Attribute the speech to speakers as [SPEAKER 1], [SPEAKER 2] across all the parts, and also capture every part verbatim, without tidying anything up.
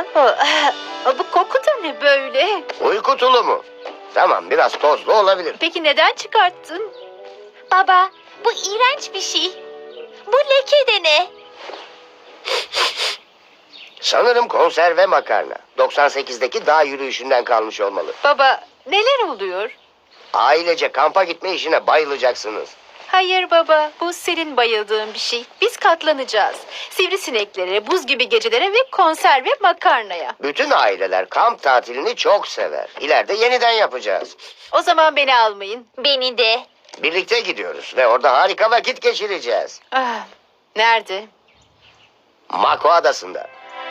[SPEAKER 1] Aa, bu koku da ne böyle?
[SPEAKER 2] Uyku tulumu. Tamam, biraz tozlu olabilir.
[SPEAKER 1] Peki neden çıkarttın?
[SPEAKER 3] Baba, bu iğrenç bir şey. Bu leke de ne?
[SPEAKER 2] Sanırım konserve makarna. doksan sekizdeki dağ yürüyüşünden kalmış olmalı.
[SPEAKER 1] Baba, neler oluyor?
[SPEAKER 2] Ailece kampa gitme işine bayılacaksınız.
[SPEAKER 1] Hayır baba, bu senin bayıldığın bir şey. Biz katlanacağız. Sivrisineklere, buz gibi gecelere ve konserve makarnaya.
[SPEAKER 2] Bütün aileler kamp tatilini çok sever. İleride yeniden yapacağız.
[SPEAKER 1] O zaman beni almayın.
[SPEAKER 3] Beni de.
[SPEAKER 2] Birlikte gidiyoruz ve orada harika vakit geçireceğiz.
[SPEAKER 1] Ah, nerede?
[SPEAKER 2] Mako Adası'nda.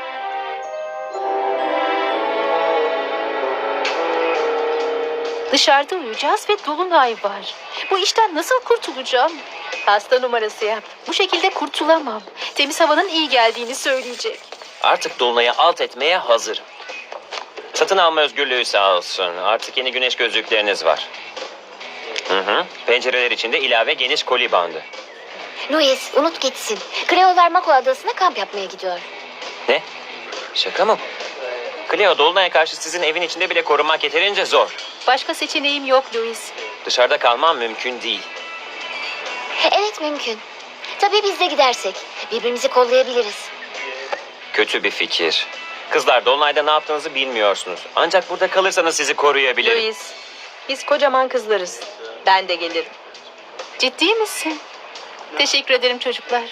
[SPEAKER 1] Dışarıda uyuyacağız ve dolunay var. Bu işten nasıl kurtulacağım? Hasta numarası yap. Bu şekilde kurtulamam. Temiz havanın iyi geldiğini söyleyecek.
[SPEAKER 4] Artık dolunayı alt etmeye hazırım. Satın alma özgürlüğü sağ olsun. Artık yeni güneş gözlükleriniz var. Hı hı. Pencereler içinde ilave geniş koli bandı.
[SPEAKER 3] Louis, unut gitsin. Kreolar Mako Adası'na kamp yapmaya gidiyor.
[SPEAKER 4] Ne? Şaka mı bu? Cleo, dolunaya karşı sizin evin içinde bile korunmak yeterince zor.
[SPEAKER 1] Başka seçeneğim yok Louis.
[SPEAKER 4] Dışarıda kalmam mümkün değil.
[SPEAKER 3] Evet, mümkün. Tabii biz de gidersek. Birbirimizi kollayabiliriz.
[SPEAKER 4] Kötü bir fikir. Kızlar, dolunayda ne yaptığınızı bilmiyorsunuz. Ancak burada kalırsanız sizi koruyabilirim.
[SPEAKER 1] Louis, biz kocaman kızlarız. Ben de gelirim. Ciddi misin? Teşekkür ederim çocuklar.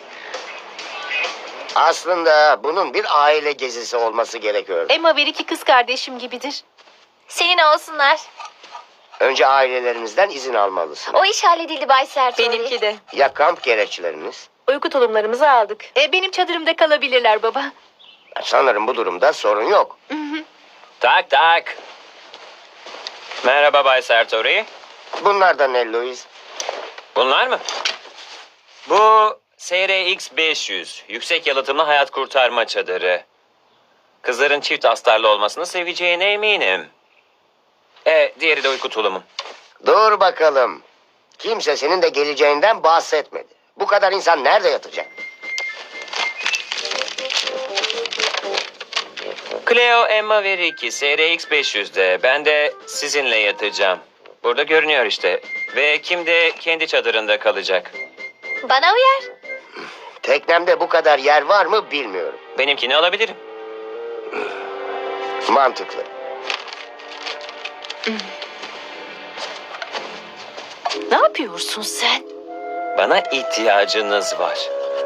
[SPEAKER 2] Aslında bunun bir aile gezisi olması gerekiyor.
[SPEAKER 1] Emma ve iki kız kardeşim gibidir.
[SPEAKER 3] Senin olsunlar.
[SPEAKER 2] Önce ailelerimizden izin almalısın.
[SPEAKER 3] O iş halledildi Bay Sertori.
[SPEAKER 1] Benimki de.
[SPEAKER 2] Ya kamp gereçleriniz?
[SPEAKER 1] Uyku tulumlarımızı aldık. E, benim çadırımda kalabilirler baba.
[SPEAKER 2] Sanırım bu durumda sorun yok.
[SPEAKER 4] Tak tak. Merhaba Bay Sertori.
[SPEAKER 2] Bunlar da ne Louis?
[SPEAKER 4] Bunlar mı? Bu S R X beş yüz. Yüksek yalıtımlı hayat kurtarma çadırı. Kızların çift astarlı olmasını seveceğine eminim. E, diğeri de uyku tulumu.
[SPEAKER 2] Dur bakalım. Kimse senin de geleceğinden bahsetmedi. Bu kadar insan nerede yatacak?
[SPEAKER 4] Cleo, Emma ve Ricky S R X beş yüzde. Ben de sizinle yatacağım. Burada görünüyor işte. Ve kim de kendi çadırında kalacak.
[SPEAKER 3] Bana uyar.
[SPEAKER 2] Teknemde bu kadar yer var mı bilmiyorum.
[SPEAKER 4] Benimkini alabilirim.
[SPEAKER 2] Mantıklı.
[SPEAKER 1] Ne yapıyorsun sen?
[SPEAKER 4] Bana ihtiyacınız var.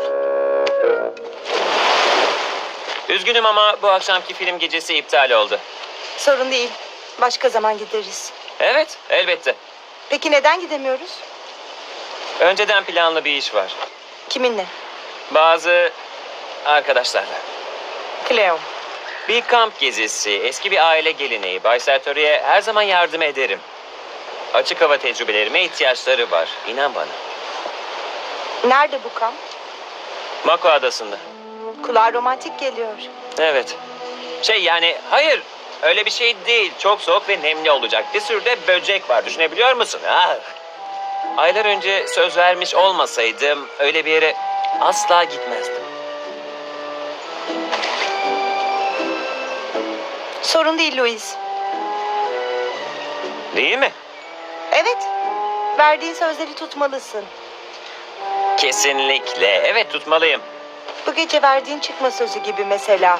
[SPEAKER 4] Üzgünüm ama bu akşamki film gecesi iptal oldu.
[SPEAKER 5] Sorun değil. Başka zaman gideriz.
[SPEAKER 4] Evet, elbette.
[SPEAKER 5] Peki neden gidemiyoruz?
[SPEAKER 4] Önceden planlı bir iş var.
[SPEAKER 5] Kiminle?
[SPEAKER 4] Bazı arkadaşlarla.
[SPEAKER 5] Cleo.
[SPEAKER 4] Bir kamp gezisi, eski bir aile geleneği. Bay Sertori'ye her zaman yardım ederim. Açık hava tecrübelerime ihtiyaçları var. İnan bana.
[SPEAKER 5] Nerede bu kamp?
[SPEAKER 4] Mako Adası'nda.
[SPEAKER 5] Kulağa romantik geliyor.
[SPEAKER 4] Evet. Şey yani hayır öyle bir şey değil. Çok soğuk ve nemli olacak. Bir sürü de böcek var. Düşünebiliyor musun? Ah. Aylar önce söz vermiş olmasaydım öyle bir yere asla gitmezdim.
[SPEAKER 5] Sorun değil Louis.
[SPEAKER 4] Değil mi?
[SPEAKER 5] Evet. Verdiğin sözleri tutmalısın.
[SPEAKER 4] Kesinlikle. Evet tutmalıyım.
[SPEAKER 5] Bu gece verdiğin çıkma sözü gibi mesela.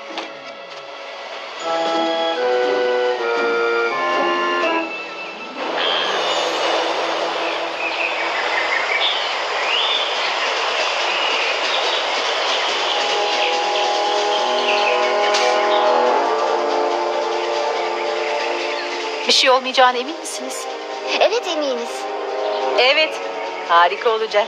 [SPEAKER 1] Bir şey olmayacağına emin misiniz?
[SPEAKER 3] Evet, eminiz.
[SPEAKER 1] Evet, harika olacak.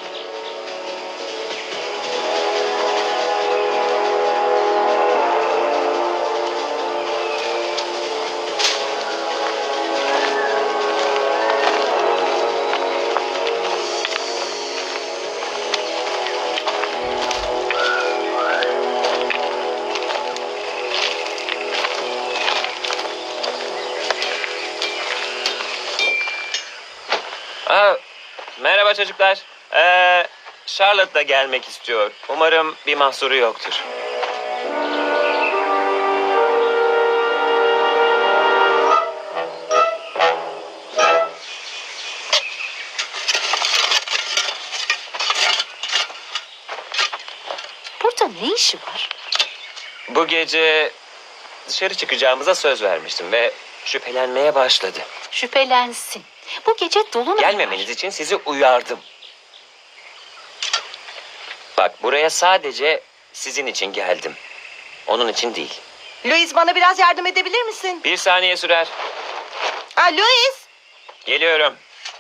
[SPEAKER 4] Aa, merhaba çocuklar. Ee, Charlotte da gelmek istiyor. Umarım bir mahsuru yoktur.
[SPEAKER 1] burada ne işi var?
[SPEAKER 4] Bu gece dışarı çıkacağımıza söz vermiştim ve şüphelenmeye başladı.
[SPEAKER 1] Şüphelensin. Bu gece dolunay var.
[SPEAKER 4] Gelmemeniz için sizi uyardım. Bak, buraya sadece sizin için geldim. Onun için değil.
[SPEAKER 5] Louis, bana biraz yardım edebilir misin?
[SPEAKER 4] Bir saniye sürer.
[SPEAKER 5] Ha, Louis!
[SPEAKER 4] Geliyorum.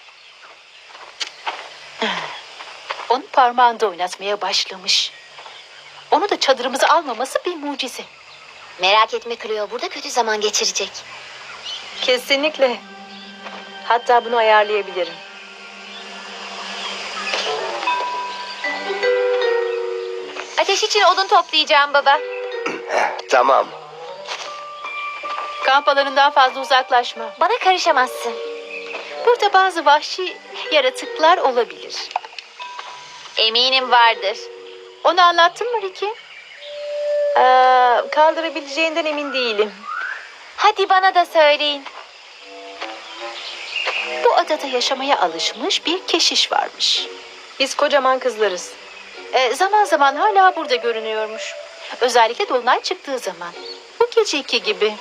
[SPEAKER 1] Onu parmağında oynatmaya başlamış. Onu da çadırımıza almaması bir mucize.
[SPEAKER 3] Merak etme Cleo, burada kötü zaman geçirecek.
[SPEAKER 5] Kesinlikle. Hatta bunu ayarlayabilirim.
[SPEAKER 3] Ateş için odun toplayacağım baba.
[SPEAKER 2] Tamam.
[SPEAKER 1] Kamp alanından fazla uzaklaşma.
[SPEAKER 3] Bana karışamazsın.
[SPEAKER 1] Burada bazı vahşi yaratıklar olabilir.
[SPEAKER 3] Eminim vardır.
[SPEAKER 1] Onu anlattın mı Ricky?
[SPEAKER 5] Ee, kaldırabileceğinden emin değilim.
[SPEAKER 3] Hadi bana da söyleyin.
[SPEAKER 1] Bu adada yaşamaya alışmış bir keşiş varmış.
[SPEAKER 5] Biz kocaman kızlarız.
[SPEAKER 1] Ee, zaman zaman hala burada görünüyormuş. Özellikle dolunay çıktığı zaman. Bu geceki gibi.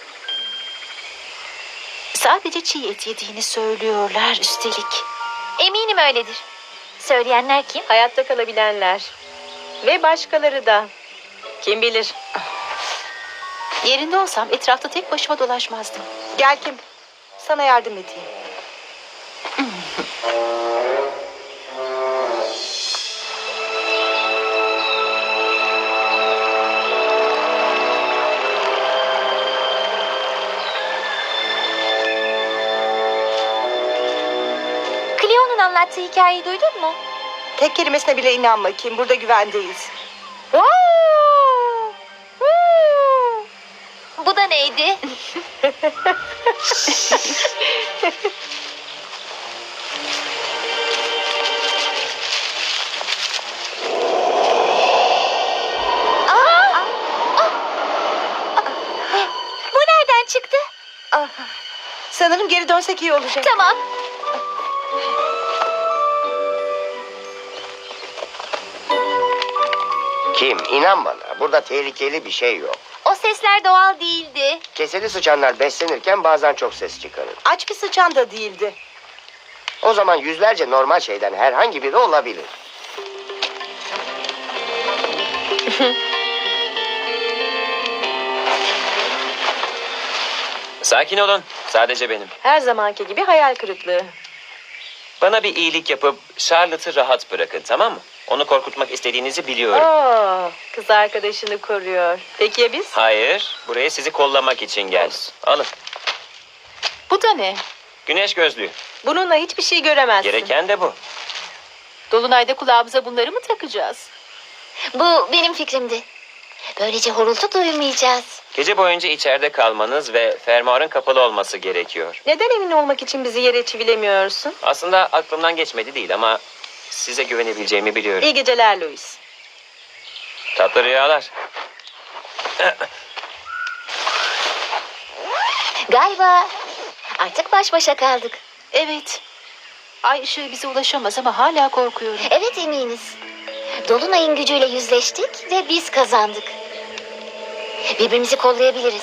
[SPEAKER 1] Sadece çiğ et yediğini söylüyorlar üstelik.
[SPEAKER 3] Eminim öyledir. Söyleyenler kim?
[SPEAKER 5] Hayatta kalabilenler. Ve başkaları da. Kim bilir.
[SPEAKER 1] Yerinde olsam etrafta tek başıma dolaşmazdım.
[SPEAKER 5] Gel Kim. Sana yardım edeyim.
[SPEAKER 3] Cleo'nun anlattığı hikayeyi duydun mu?
[SPEAKER 5] Tek kelimesine bile inanma Kim. Burada güvendeyiz.
[SPEAKER 3] Bu da neydi? Aa! Ah! Bu nereden çıktı?
[SPEAKER 5] Ah, sanırım geri dönsek iyi olacak.
[SPEAKER 3] Tamam.
[SPEAKER 2] Kim? İnan bana. Burada tehlikeli bir şey yok.
[SPEAKER 3] O sesler doğal değildi.
[SPEAKER 2] Keseli sıçanlar beslenirken bazen çok ses çıkarır.
[SPEAKER 5] Aç bir sıçan da değildi.
[SPEAKER 2] O zaman yüzlerce normal şeyden herhangi biri olabilir.
[SPEAKER 4] Sakin olun. Sadece benim.
[SPEAKER 5] Her zamanki gibi hayal kırıklığı.
[SPEAKER 4] Bana bir iyilik yapıp Charlotte'ı rahat bırakın, tamam mı? Onu korkutmak istediğinizi biliyorum.
[SPEAKER 5] Oo, kız arkadaşını koruyor. Peki ya biz?
[SPEAKER 4] Hayır, buraya sizi kollamak için geldim. Alın.
[SPEAKER 1] Bu da ne?
[SPEAKER 4] Güneş gözlüğü.
[SPEAKER 5] Bununla hiçbir şey göremezsin.
[SPEAKER 4] Gereken de bu.
[SPEAKER 1] Dolunayda kulağımıza bunları mı takacağız?
[SPEAKER 3] Bu benim fikrimdi. Böylece horultu duymayacağız.
[SPEAKER 4] Gece boyunca içeride kalmanız ve fermuarın kapalı olması gerekiyor.
[SPEAKER 5] Neden emin olmak için bizi yere çivilemiyorsun?
[SPEAKER 4] Aslında aklımdan geçmedi değil ama size güvenebileceğimi biliyorum.
[SPEAKER 5] İyi geceler Louis.
[SPEAKER 4] Tatlı rüyalar.
[SPEAKER 3] Galiba artık baş başa kaldık.
[SPEAKER 1] Evet. Ay ışığı bize ulaşamaz ama hala korkuyorum.
[SPEAKER 3] Evet eminiz. Dolunay'ın gücüyle yüzleştik ve biz kazandık. Birbirimizi kollayabiliriz.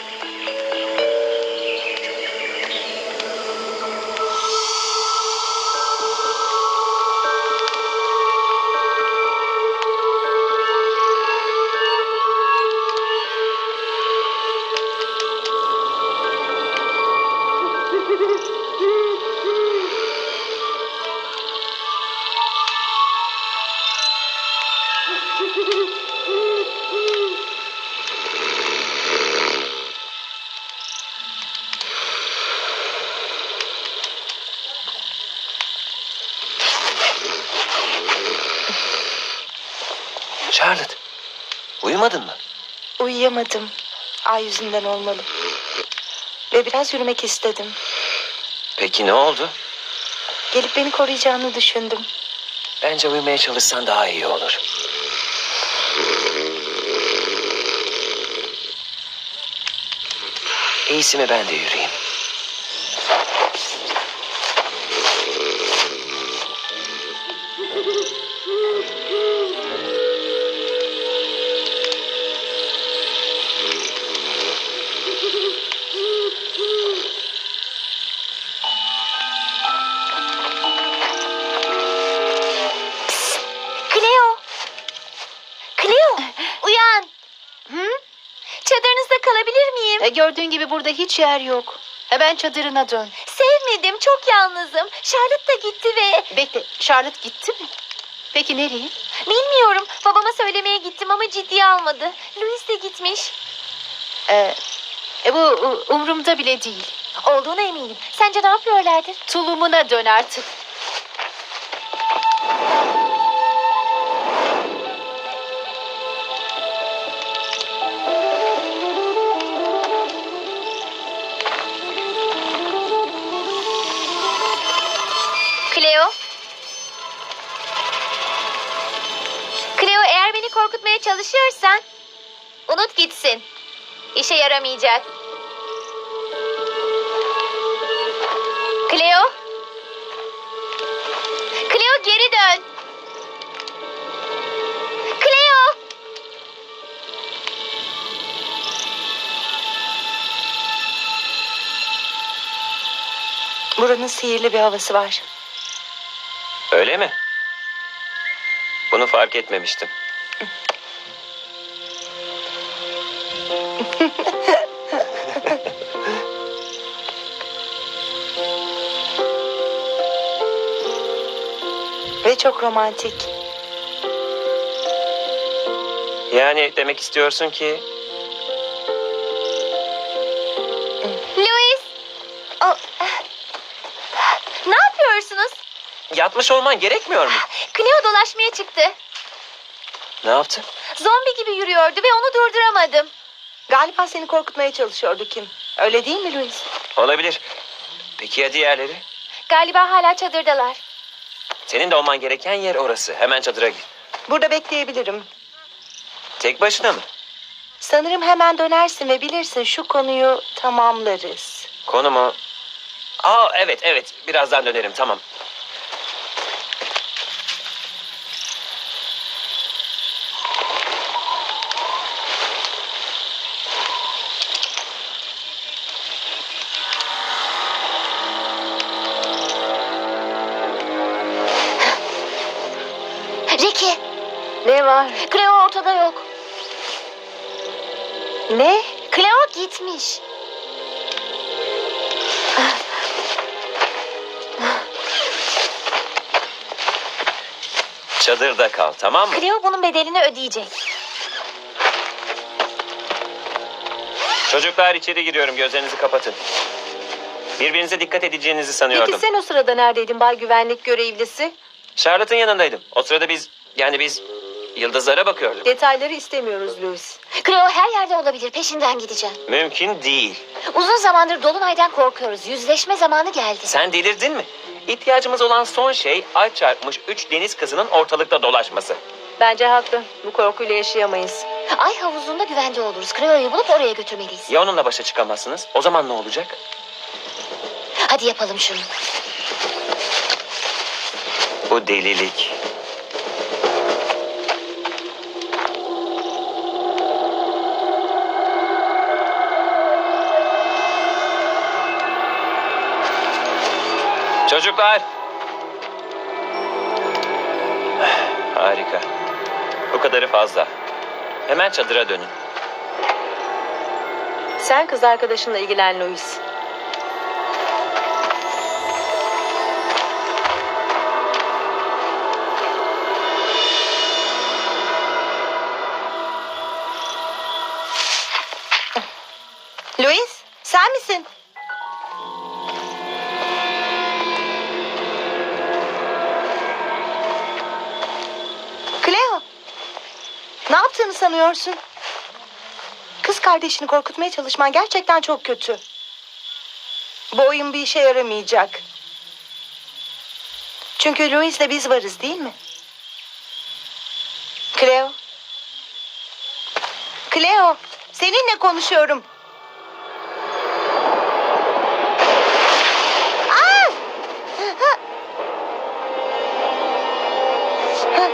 [SPEAKER 4] Charlotte, uyumadın mı?
[SPEAKER 5] Uyuyamadım. Ay yüzünden olmalı. Ve biraz yürümek istedim.
[SPEAKER 4] Peki ne oldu?
[SPEAKER 5] Gelip beni koruyacağını düşündüm.
[SPEAKER 4] Bence uyumaya çalışsan daha iyi olur. İyisi mi ben de yürüyeyim?
[SPEAKER 3] sevmedim.
[SPEAKER 1] E, gördüğün gibi burada hiç yer yok. Hemen çadırına dön.
[SPEAKER 3] Sevmedim. Çok yalnızım. Charlotte da gitti ve...
[SPEAKER 1] Bekle, Charlotte gitti mi? Peki nereye?
[SPEAKER 3] Bilmiyorum. Babama söylemeye gittim ama ciddiye almadı. Louis de gitmiş.
[SPEAKER 1] E, e, bu u- umurumda bile değil.
[SPEAKER 3] Olduğuna eminim. Sence ne yapıyorlardır?
[SPEAKER 1] Tulumuna dön artık.
[SPEAKER 3] Cleo? Cleo, eğer beni korkutmaya çalışıyorsan unut gitsin. İşe yaramayacak. Cleo? Cleo, geri dön. Cleo!
[SPEAKER 5] Buranın sihirli bir havası var.
[SPEAKER 4] Öyle mi? Bunu fark etmemiştim.
[SPEAKER 5] Ve çok romantik.
[SPEAKER 4] Yani demek istiyorsun ki
[SPEAKER 3] Louis! Oh. Ne yapıyorsunuz?
[SPEAKER 4] yatmış olman gerekmiyor mu?
[SPEAKER 3] Cleo dolaşmaya çıktı.
[SPEAKER 4] Ne yaptı?
[SPEAKER 3] Zombi gibi yürüyordu ve onu durduramadım.
[SPEAKER 5] Galiba seni korkutmaya çalışıyordu Kim. Öyle değil mi Louis?
[SPEAKER 4] Olabilir. Peki ya diğerleri?
[SPEAKER 3] Galiba hala çadırdalar.
[SPEAKER 4] Senin de olman gereken yer orası. Hemen çadıra gir.
[SPEAKER 5] Burada bekleyebilirim.
[SPEAKER 4] Tek başına mı?
[SPEAKER 5] Sanırım hemen dönersin ve bilirsin şu konuyu tamamlarız.
[SPEAKER 4] Konu mu? Aa evet evet. Birazdan dönerim tamam.
[SPEAKER 3] Ricky,
[SPEAKER 5] Ne var?
[SPEAKER 3] Cleo ortada yok.
[SPEAKER 5] Ne?
[SPEAKER 3] Cleo gitmiş.
[SPEAKER 4] Çadırda kal tamam mı?
[SPEAKER 3] Cleo bunun bedelini ödeyecek.
[SPEAKER 4] Çocuklar içeri giriyorum. Gözlerinizi kapatın. Birbirinize dikkat edeceğinizi sanıyordum.
[SPEAKER 5] Peki sen o sırada neredeydin bay güvenlik görevlisi?
[SPEAKER 4] Charlotte'ın yanındaydım. O sırada biz yani biz yıldızlara bakıyorduk.
[SPEAKER 5] Detayları istemiyoruz Louis.
[SPEAKER 3] Cleo her yerde olabilir. Peşinden gideceğim.
[SPEAKER 4] Mümkün değil.
[SPEAKER 3] Uzun zamandır Dolunay'dan korkuyoruz. Yüzleşme zamanı geldi.
[SPEAKER 4] Sen delirdin mi? İhtiyacımız olan son şey ay çarpmış üç deniz kızının ortalıkta dolaşması.
[SPEAKER 5] Bence haklı. Bu korkuyla yaşayamayız.
[SPEAKER 3] Ay havuzunda güvende oluruz. Cleo'yu bulup oraya götürmeliyiz.
[SPEAKER 4] Ya onunla başa çıkamazsınız? O zaman ne olacak?
[SPEAKER 3] Hadi yapalım şunu.
[SPEAKER 4] Bu delilik. Çocuklar. Harika. Bu kadarı fazla. Hemen çadıra dönün.
[SPEAKER 5] Sen kız arkadaşınla ilgilen Louis. Louis, sen misin? Cleo, ne yaptığını sanıyorsun? Kız kardeşini korkutmaya çalışman gerçekten çok kötü. Bu oyun bir işe yaramayacak. Çünkü Louis'le biz varız değil mi? Cleo. Cleo, seninle konuşuyorum. Aa! Ha! Ha!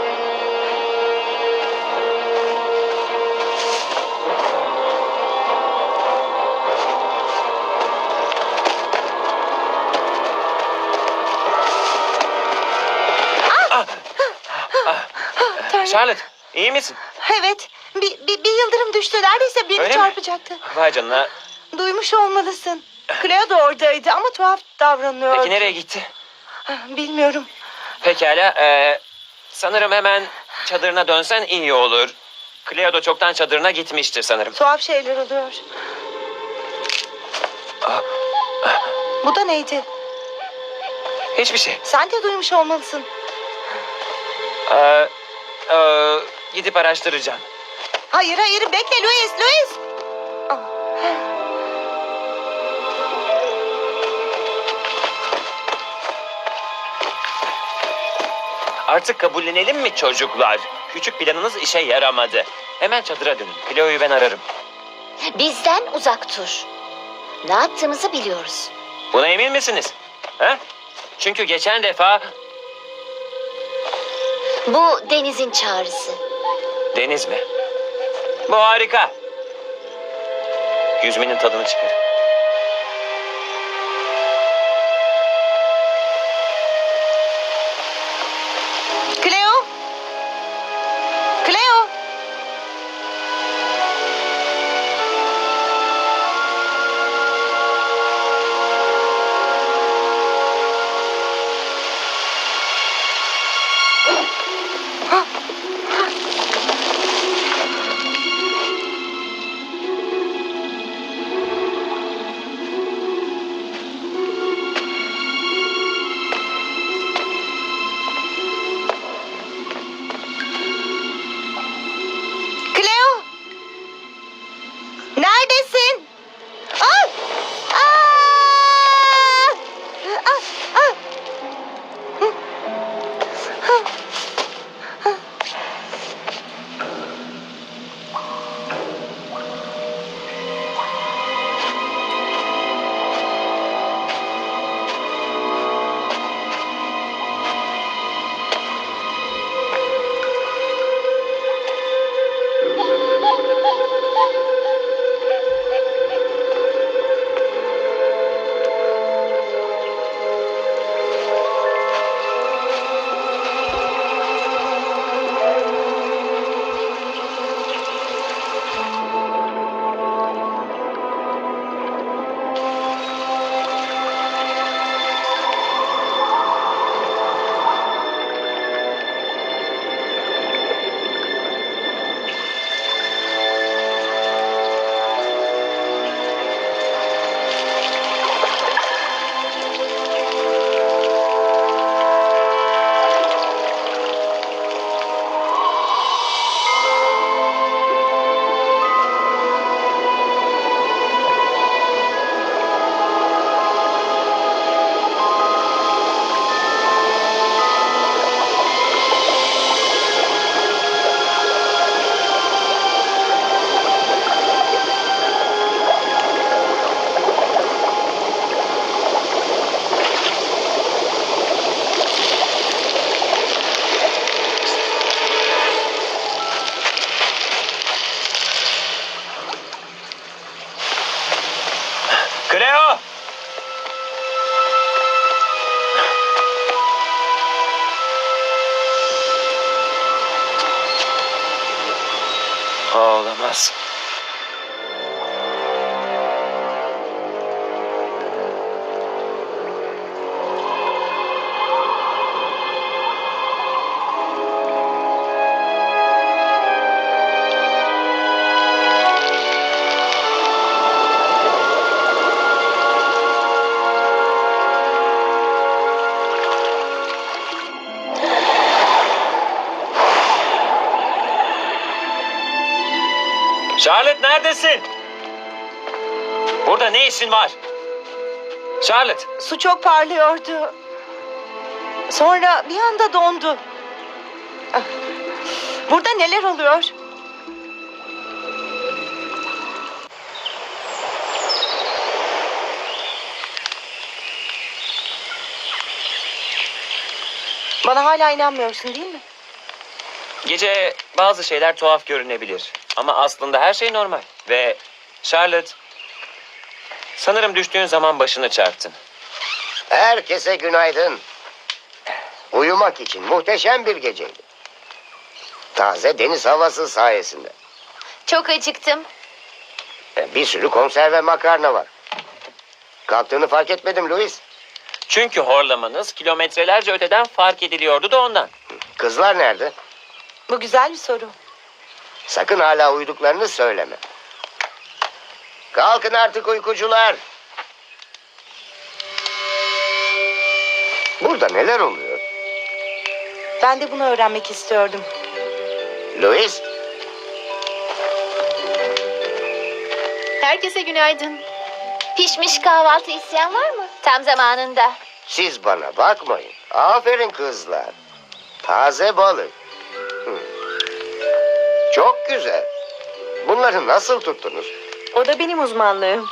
[SPEAKER 5] Tanrım.
[SPEAKER 4] Charlotte, iyi misin?
[SPEAKER 5] Evet, bir, bir, bir yıldırım düştü. Neredeyse beni
[SPEAKER 4] Öyle mi?
[SPEAKER 5] çarpacaktı.
[SPEAKER 4] Vay canına.
[SPEAKER 5] duymuş olmalısın. Cleo da oradaydı ama tuhaf davranıyordu.
[SPEAKER 4] Peki nereye gitti?
[SPEAKER 5] Bilmiyorum.
[SPEAKER 4] Pekala. ee, sanırım hemen çadırına dönsen iyi olur. Cleo da çoktan çadırına gitmiştir sanırım.
[SPEAKER 5] Tuhaf şeyler oluyor. Bu da neydi?
[SPEAKER 4] Hiçbir şey.
[SPEAKER 5] Sen de duymuş olmalısın.
[SPEAKER 4] Ee, ee, gidip araştıracağım.
[SPEAKER 5] Hayır hayır bekle Louis, Louis. Ah.
[SPEAKER 4] Artık kabullenelim mi çocuklar? Küçük planınız işe yaramadı. Hemen çadıra dönün. Cleo'yu ben ararım.
[SPEAKER 3] Bizden uzak dur. Ne yaptığımızı biliyoruz.
[SPEAKER 4] Buna emin misiniz? Ha? Çünkü geçen defa
[SPEAKER 3] Bu Deniz'in çağrısı.
[SPEAKER 4] deniz mi? Bu harika. Yüzmenin tadını çıkar.
[SPEAKER 5] Cleo. Cleo. Cleo. Neredesin? Ah! Ah! Ah! Ah!
[SPEAKER 4] Cleo! Olamaz. Charlotte neredesin? Burada ne işin var? Charlotte.
[SPEAKER 5] Su çok parlıyordu. Sonra bir anda dondu. Ah. Burada neler oluyor? Bana hala inanmıyorsun değil mi?
[SPEAKER 4] Gece bazı şeyler tuhaf görünebilir. Ama aslında her şey normal. Ve Charlotte, sanırım düştüğün zaman başını çarptın.
[SPEAKER 2] Herkese günaydın. Uyumak için muhteşem bir geceydi. Taze deniz havası sayesinde.
[SPEAKER 3] Çok acıktım.
[SPEAKER 2] E, Bir sürü konserve makarna var. Kalktığını fark etmedim Louis.
[SPEAKER 4] Çünkü horlamanız kilometrelerce öteden fark ediliyordu da ondan.
[SPEAKER 2] Kızlar nerede?
[SPEAKER 5] Bu güzel bir soru.
[SPEAKER 2] Sakın hala uyuduklarını söyleme. Kalkın artık uykucular. Burada neler oluyor?
[SPEAKER 5] Ben de bunu öğrenmek istiyordum.
[SPEAKER 2] Louis,
[SPEAKER 1] Herkese günaydın.
[SPEAKER 3] Pişmiş kahvaltı isteyen var mı? Tam zamanında.
[SPEAKER 2] siz bana bakmayın. Aferin kızlar. Taze balık. Hı. Çok güzel. Bunları nasıl tuttunuz?
[SPEAKER 5] O da benim uzmanlığım.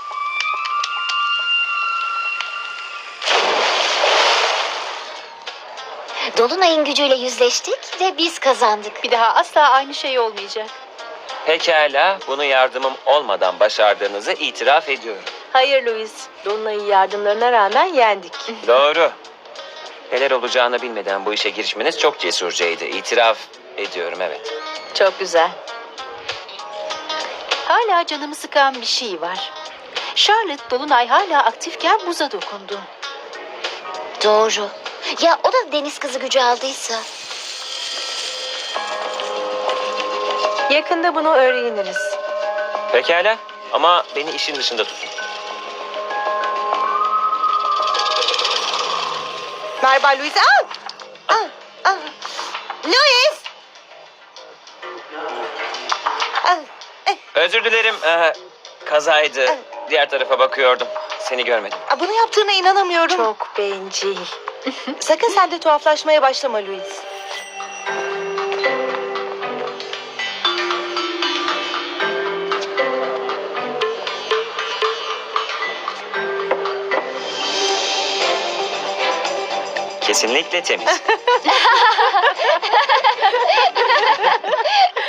[SPEAKER 3] Dolunay'ın gücüyle yüzleştik ve biz kazandık.
[SPEAKER 1] Bir daha asla aynı şey olmayacak.
[SPEAKER 4] Pekala, bunu yardımım olmadan başardığınızı itiraf ediyorum.
[SPEAKER 5] Hayır Louis. Dolunay'ın yardımlarına rağmen yendik.
[SPEAKER 4] Doğru. Neler olacağını bilmeden bu işe girişmeniz çok cesurcaydı. İtiraf ediyorum, evet.
[SPEAKER 5] Çok güzel.
[SPEAKER 1] Hala canımı sıkan bir şey var. Charlotte Dolunay hala aktifken buza dokundu.
[SPEAKER 3] Doğru. Ya o da deniz kızı gücü aldıysa?
[SPEAKER 5] Yakında bunu öğreniriz.
[SPEAKER 4] Pekala, ama beni işin dışında tutun.
[SPEAKER 5] Merhaba Louis. Al! Al! Al! Louis! Al! Eh,
[SPEAKER 4] Özür dilerim, ee, kazaydı. Diğer tarafa bakıyordum. Seni görmedim.
[SPEAKER 5] Aa, Bunu yaptığına inanamıyorum. Çok bencil. Sakın sen de tuhaflaşmaya başlama Louis.
[SPEAKER 4] Kesinlikle temiz.